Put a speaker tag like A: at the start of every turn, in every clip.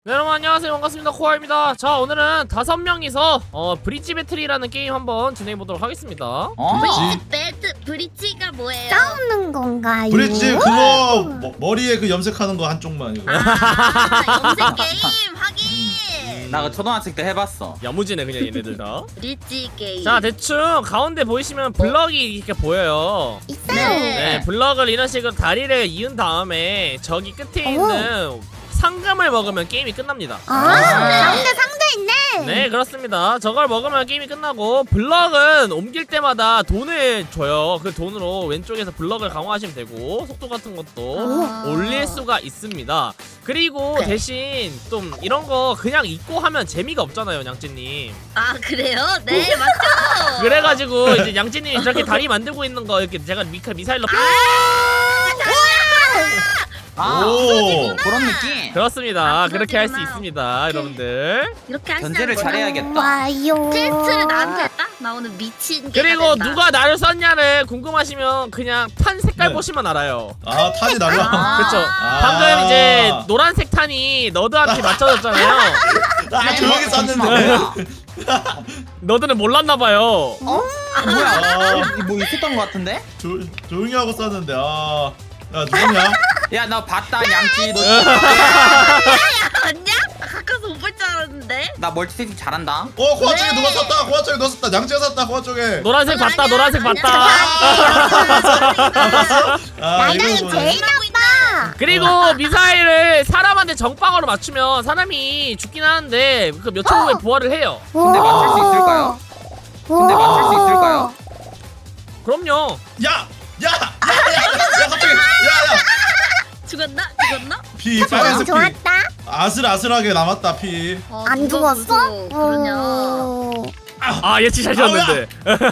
A: 네, 여러분 안녕하세요. 반갑습니다. 코아입니다. 자, 오늘은 5명이서 브릿지 배틀이라는 게임 한번 진행해보도록 하겠습니다.
B: 브릿지가 뭐예요?
C: 싸우는 건가요?
D: 브릿지 그거 머리에 그 염색하는 거 한쪽만 이거.
B: 염색 게임 하긴.
E: 나 그 초등학생 때 해봤어.
A: 야무지네 그냥 얘네들 다.
B: 브릿지 게임.
A: 자, 대충 가운데 보이시면 블럭이 이렇게 보여요.
C: 있어요.
A: 네, 블럭을 이런 식으로 다리를 이은 다음에 저기 끝에 있는 상금을 먹으면 게임이 끝납니다.
C: 가운데 상자 있네.
A: 네, 그렇습니다. 저걸 먹으면 게임이 끝나고, 블럭은 옮길 때마다 돈을 줘요. 그 돈으로 왼쪽에서 블럭을 강화하시면 되고, 속도 같은 것도 올릴 수가 있습니다. 그리고 대신 좀 이런 거 그냥 입고 하면 재미가 없잖아요, 양찌님.
B: 아 그래요? 네 맞죠.
A: 그래가지고 이제 양찌님이 저렇게 다리 만들고 있는 거 이렇게 제가 미사일로
D: 오.
E: 그런 느낌.
A: 그렇습니다. 그렇게 할 수
B: 그러구나.
A: 있습니다, 여러분들.
B: 이렇게 하시는
E: 견제를
B: 거구나.
E: 잘해야겠다.
C: 와요.
B: 텍스트를 나한테 딱 나오는 미친 게.
A: 그리고 누가 나를 썼냐를 궁금하시면 그냥 탄 색깔
D: 네.
A: 보시면 알아요.
D: 아 탄이 달라.
A: 그쵸.
D: 아.
A: 방금 이제 노란색 탄이 너드한테 맞춰졌잖아요.
D: 아 조용히
E: 아,
D: 쐈는데.
A: 너드는 몰랐나봐요.
E: 뭐야? 뭐 있었던 것 같은데?
D: 조용히 하고 쐈는데 야 누구냐?
E: 야 나 봤다 양치. 너
B: 아니야? 가까이서 못 볼 줄 알았는데.
E: 나 멀티태스킹 잘한다.
D: 코아 쪽에
B: 네.
D: 누가 쐈다. 코아 쪽에 너 쐈다. 양치가 쐈다. 코아 쪽에.
A: 노란색 봤다, 노란색 봤다.
D: 아
C: 나랑이
D: 이거
C: 제일 나빠.
A: 그리고 미사일을 사람한테 정방으로 맞추면 사람이 죽긴 하는데 그 몇 초 후에 부활을 해요.
E: 근데 맞출 수 있을까요? 근데 맞출 수 있을까요?
A: 그럼요.
D: 야 갑자기 야
B: 죽었나?
D: 피 빨간색 피.
C: 좋았다.
D: 아슬아슬하게 남았다 피.
C: 안 죽었어?
B: 그러냐.
A: 아, 예측 잘 지었는데.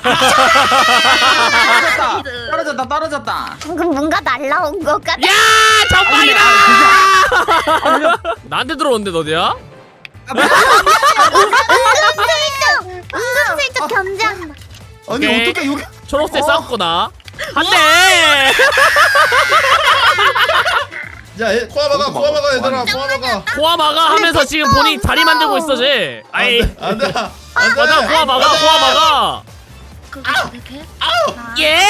E: 떨어졌다.
C: 방금 뭔가 날라온 것 같아.
A: 야! 정방이다! 나한테 들어오는데 너디야?
C: 은근슬쩍 견제한다.
E: 아니
A: 오케이.
E: 어떻게 여기?
A: 초록색 싸웠구나. 한 대!
D: 야 코아 막아 얘들아 코아 막아.
A: 코아 막아 하면서 지금 본인 다리 만들고 있어, 쟤. 아이.
D: 안돼.
A: 맞아, 코아 막아.
B: 이렇게?
A: 예!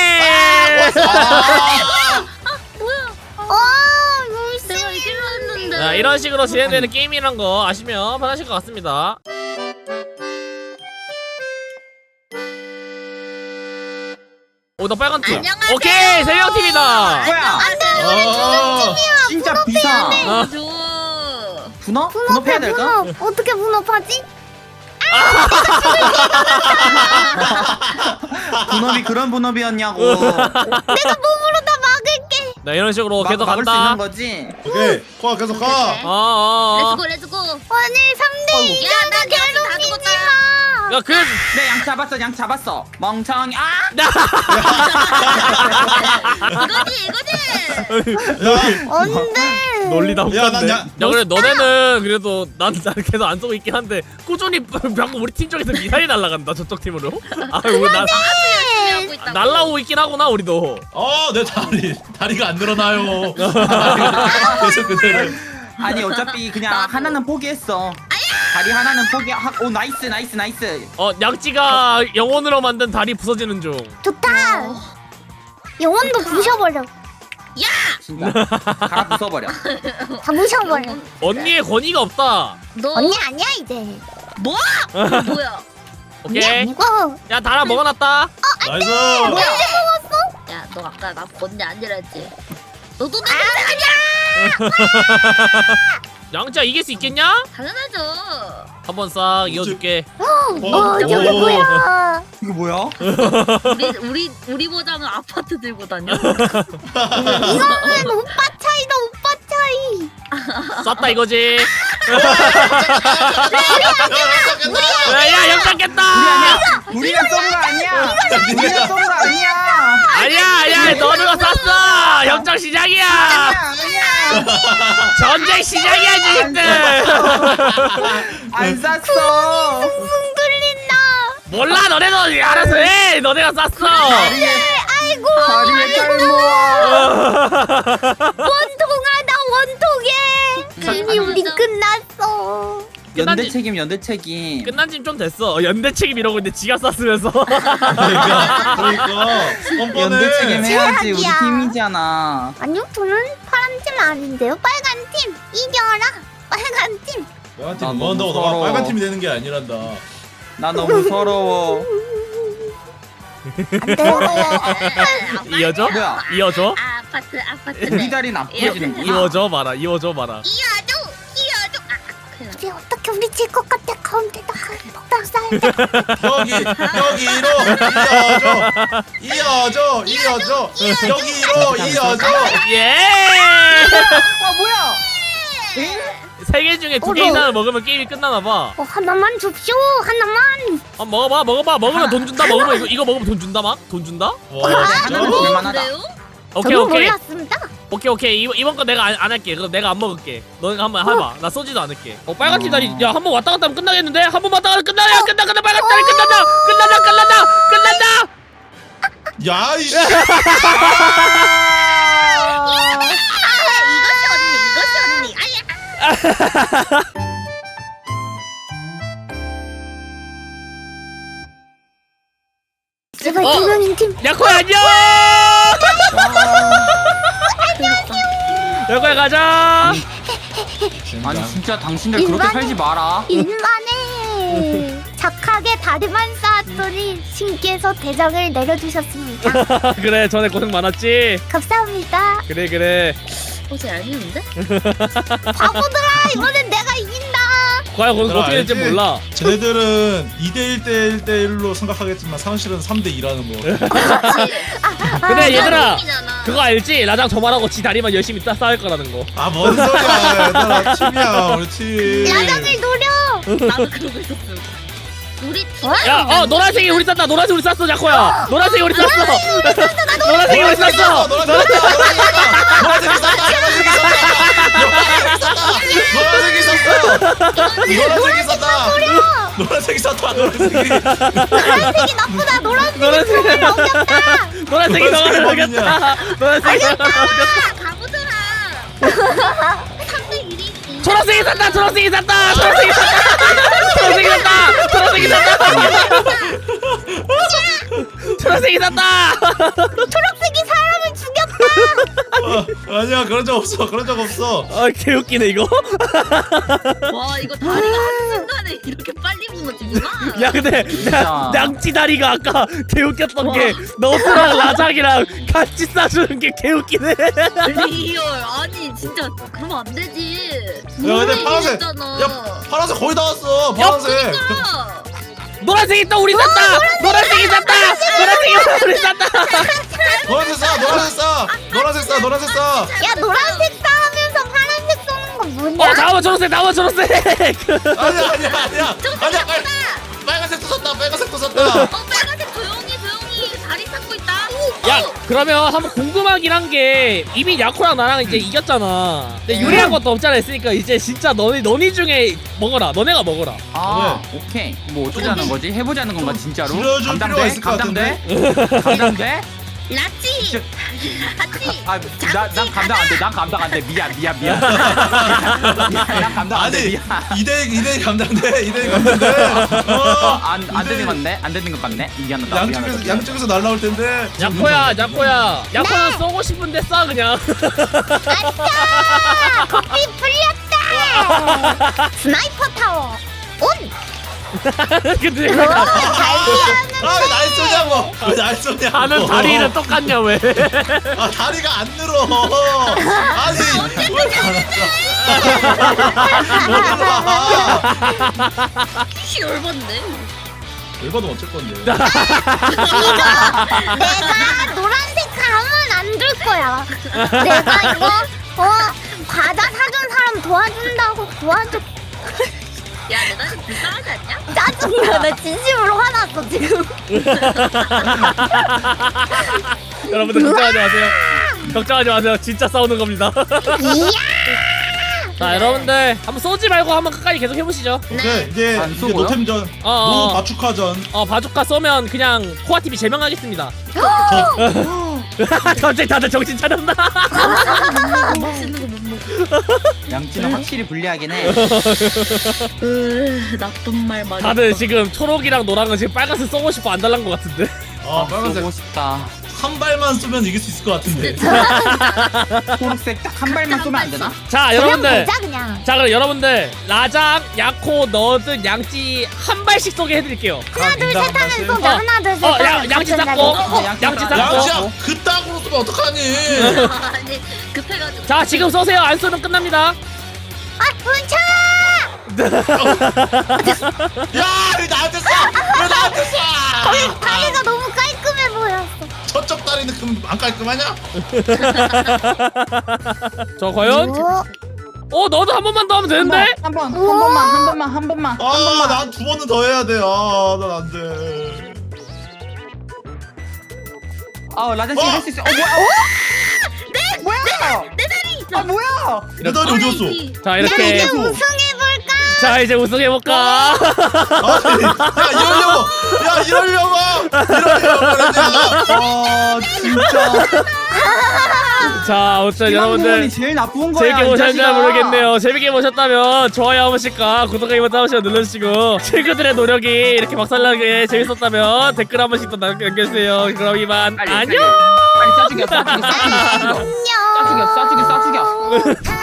B: 내가 이길라 했는데.
A: 자, 이런 식으로 진행되는 게임이란 거 아시면 편하실 것 같습니다. 오, 나 빨간 팀.
B: 안녕하세요.
A: 오케이, 3명 팀이다.
E: 뭐야? 진짜 비상.
A: 아.
E: 분업? 분업해야 될까?
C: 어떻게 분업하지?
E: 분업이 그런 분업이었냐고.
C: 내가 몸으로 다 막을게.
A: 나 이런 식으로 계속
E: 막을 수
A: 간다.
E: 있는 거지.
D: 오케이 코아 계속 가.
B: 렛츠고.
C: 오늘 3대 2
B: 야, 나
C: 괴롭히지 마.
A: 야, 그,
E: 내 양 잡았어. 멍청이.
B: 이거지.
C: 안돼.
A: 논리다
D: 야, 난
A: 웃겼네.
D: 야-
A: 야, 그래, 너네는 그래도 난 계속 안 쏘고 있긴 한데 꾸준히 방금 우리 팀 쪽에서 미사일이 날아간다, 저쪽 팀으로. 아, 우리
B: 하고 있다고.
A: 날라오고 있긴 하구나, 우리도.
D: 내 다리가 안 늘어나요. 계속 그대로.
E: 아니 어차피 그냥 하나는 포기했어. 다리 하나는 포기하고. 오 나이스.
A: 양찌가 영혼으로 만든 다리 부서지는 중.
C: 좋다. 영혼도 부셔버려.
E: 진짜 갈아 부숴버려.
C: 다 부셔버려.
A: 언니의 권위가 없다.
B: 너
C: 언니 아니야 이제.
B: 뭐? 뭐야?
C: 언니
A: 오케이.
C: 아니고.
A: 야, 달아 먹어놨다.
D: 나이스.
B: 야, 너 아까 나 번지 아니랬지? 너도 내
A: 양찌야, 이길 수 있겠냐?
B: 당연하죠.
A: 한번 싹 이어줄게.
C: 저게 뭐야?
E: 이거 뭐야?
B: 우리 보장은 아파트 들고 다녀.
C: 이거는 오빠 차이다 오빠 차이.
A: 쐈다 이거지. 야, 영장 깼다.
E: 우리가 쏜 거 아니야. 우리가 쏜 거 아니야.
A: 아니야, 너네가 쐈어. 영장 시작이야.
E: 아니야.
A: 전쟁 시작이야, 지금들.
E: 안 쐈어.
C: 붕 뚫린다.
A: 몰라, 너네도 알아서 해. 너네가 쐈어.
C: 아이고.
E: 다리에 깔 모아.
C: 원통하다 원통해. 이미 우리 끝났어.
E: 연대 책임 연대 책임.
A: 끝난 지 좀 됐어. 연대 책임 이러고 있는데 지가 쌌으면서.
D: 그러니까 뻔뻔해.
E: 연대 책임 해야지. 우리
C: 최악이야.
E: 팀이잖아.
C: 아니요, 저는 파란 팀 아닌데요. 빨간 팀 이겨라. 빨간 팀.
D: 빨간
E: 나
D: 팀
E: 너무
D: 응원한다고 너가
E: 서러워.
D: 빨간 팀이 되는 게 아니란다.
E: 나 너무 서러워.
C: 안 돼요.
A: 이어져?
E: 뭐야?
A: 이어져?
B: 아파트.
E: 우리 다리는 아프지는구나.
A: 이어져 봐라. 이어져 봐라.
B: 이어줘.
C: 우리 어떻게 우리 질 것 같아. 가운데다가 폭탄 쏴야 돼.
D: 여기로 이어져. 여기로 이어져.
A: 예!
E: 아 뭐야?
A: 세 개 중에 두 개 이상을 먹으면 게임이 끝나나 봐.
C: 하나만 줍쇼. 하나만.
A: 먹어봐. 먹으면 돈 준다. 먹으면 이거 먹으면 돈 준다 막. 돈 준다?
D: 와
E: 하나는
D: 진짜?
E: 볼만하다.
A: 오케이
C: 저도
A: 오케이.
C: 몰랐습니다.
A: 오케이 이번 거 내가 안 할게. 그럼 내가 안 먹을게. 너네가 한번 해봐. 나 쏘지도 않을게. 빨간 팀 다리 야 한 번 왔다 갔다 하면 끝나겠는데? 한 번 왔다 갔다 끝나 빨간 다리 끝난다.
D: 야 이씨.
B: 이것이 언니. 아야.
C: 제발
A: 어.
C: 두 명인 팀.
A: 야코야 안녕. 야코야 가자.
E: 아니 진짜 당신들 그렇게
C: 인간?
E: 살지 마라.
C: 일만해. 착하게 다리만 쌓았더니 신께서 대장을 내려주셨습니다.
A: 그래 전에 고생 많았지.
C: 감사합니다.
A: 그래.
B: 옷이 얄미운데?
C: 바보들아, 이번엔 내가 이긴다.
A: 과연 거기서
D: 얘들아,
A: 어떻게 될지
D: 알지?
A: 몰라.
D: 쟤네들은 2대1 대1대1로 생각하겠지만 사실은 3대2라는 거.
A: 근데 얘들아
B: 팀이잖아.
A: 그거 알지? 나랑 저만하고 지 다리만 열심히 싸울 거라는 거.
D: 아 뭔 소리야 얘들아 팀이야 우리 팀.
C: 라장을 노려.
B: 나도 그러고 있었어. 우리 팀.
A: 야, 노란색이 우리 쌌다. 노란색 우리 쌌어, 자코야. 노란색이 우리 쌌어. 노란색이 우리 쌌어.
D: 노란색이 썼다.
C: 노란색이 나쁘다. 노란색이
A: 노란색이
C: 넘겼다.
A: 노란색이 너를 먹였다. 노란색이 너를 먹였다.
B: 가보더라. 3대 1이지.
A: 초록색이 쌌다. 초록색이 쌌다. 초록색이 쌌다. 초록색이 쌌다. 초록색이 쌌다.
C: 초록색이 사람을 죽였다.
D: 아니야 그런 적 없어.
A: 아, 개웃기네 이거.
B: 와 이거 다리가 한순간에 이렇게 빨리 무너지구나.
A: 야, 근데 냥치 다리가 아까 개웃겼던 게 너스랑 라장이랑 같이 싸주는 게 개웃기네.
B: 리얼 아니 진짜 그러면 안 되지.
D: 야 근데 파란색.
B: 있잖아.
D: 야 파란색 거의 다 왔어. 파란색.
A: 노란색이 또 우리 쌌다. 노란색이 쌌다. 노란색이 우리 쌌다.
D: 노란색 싸.
C: 야, 노란색 싸우면서 파란색 쏘는 건 뭐냐?
A: 다음은 초록색.
D: 아니야. 빨간색도 썼다.
B: 빨간색 조용히 다리 찾고 있다.
A: 야, 그러면 한번 궁금하긴 한 게 이미 야코랑 나랑 이제 이겼잖아. 근데 유리한 것도 없잖아 했으니까 이제 진짜 너희 중에 먹어라. 너네가 먹어라.
E: 아 오케이. 뭐 어쩌자는 거지? 해보자는 건가 진짜로?
D: 줄여줄 필요가 있을 것
E: 감당돼?
B: 라찌.
E: 난 감당 안 돼. 난 감당 안 돼. 미안. 난 감당 안 돼.
D: 아니
E: 미안.
D: 2대2 감당돼.
E: 안 되는 건데? 안 되는 것 같네. 미안하다.
D: 양쪽에서 날라올 텐데.
A: 야코야. 야코는 쏘고 싶은데 쏴 그냥.
C: 아싸! 커피 풀렸다. 스나이퍼 타워 온.
A: 근데
C: 잘 피하는.
D: 아날 쏘냐고. 왜날 쏘냐고.
A: 하는 다리는 똑같냐 왜?
D: 아 다리가 안 늘어. 아니
B: 키 열받네.
D: 열받으면 어쩔 건데.
C: 내가 노란색 가면 안 줄 거야. 내가 이거 과자 사준 사람 도와줘.
B: 야 내가 좀 불쌍하지 않냐?
C: 짜증나. 나 진심으로 화났어 지금.
A: 여러분들 걱정하지 마세요. 진짜 싸우는 겁니다.
C: 이야.
A: 자, 여러분들 한번 쏘지 말고 한번 끝까지 계속 해보시죠.
D: 오케이 이제
E: 안 쏘고요?
D: 노템전,
A: 어.
D: 노 바축화전.
A: 바주카 쏘면 그냥 코아 TV 제명하겠습니다. 갑자기 다들 정신 차렸나?
B: 맛있는 거 못 먹어.
E: 양치는 확실히 불리하긴 해.
B: 나쁜 말 많이.
A: 다들 지금 초록이랑 노랑은 지금 빨간색 쏘고 싶어 안 달란 것 같은데.
D: 빨간색
E: 쏘고 싶다.
D: 한 발만 쏘면 이길 수 있을 것 같은데.
E: 초록색 딱 한 발만 쏘면 안 되나?
A: 자 여러분들.
C: 보자 그냥.
A: 자 그럼 여러분들 라장, 야코, 너든, 양찌 한 발씩 쏘게 해드릴게요.
C: 하나 둘 셋 하면 쏘자.
A: 어.
C: 하나 둘 셋.
A: 양치
C: 하면
A: 잡고.
C: 같은
A: 양치
C: 자리.
A: 잡고.
D: 양치야 그따구로 쏘면 어떡하니?
B: 아니 급해가지고.
A: 자 지금 쏘세요. 안 쏘면 끝납니다.
C: 아 뭉쳐.
D: 야, 왜 나한테 쏴? 왜 나한테 쏴?
C: 다리가 너무 깔끔해 보였어.
D: 저쪽 다리는 그럼 안 깔끔하냐?
A: 저 과연? 너도 한 번만 더 하면 되는데?
E: 한 번만.
D: 난 두 번은 더 해야 돼. 난 안 돼.
E: 라잔 씨 할 수 있어. 뭐야?
B: 내 다리.
E: 뭐야?
D: 내 다리 어디 갔어?
A: 자
C: 야
A: 이렇게.
C: 이제 우승해볼까?
A: 자 이제 우승해볼까?
D: 아니, 이러려고 그랬냐?
E: 진짜.
A: 자 어쨌든
E: 여러분이
A: 여러분들
E: 제일 나쁜 거야.
A: 재밌게
E: 이
A: 보셨는지
E: 자식아.
A: 모르겠네요. 재밌게 보셨다면 좋아요 한 번씩과 구독하기 버튼 한 번씩 눌러주시고 친구들의 노력이 이렇게 박살나게 재밌었다면 댓글 한 번씩 또 남겨주세요. 그럼 이만
E: 빨리,
A: 안녕.
E: 빨리 쏴 죽여.
C: 안녕.
E: 쏴 죽여.
C: 아.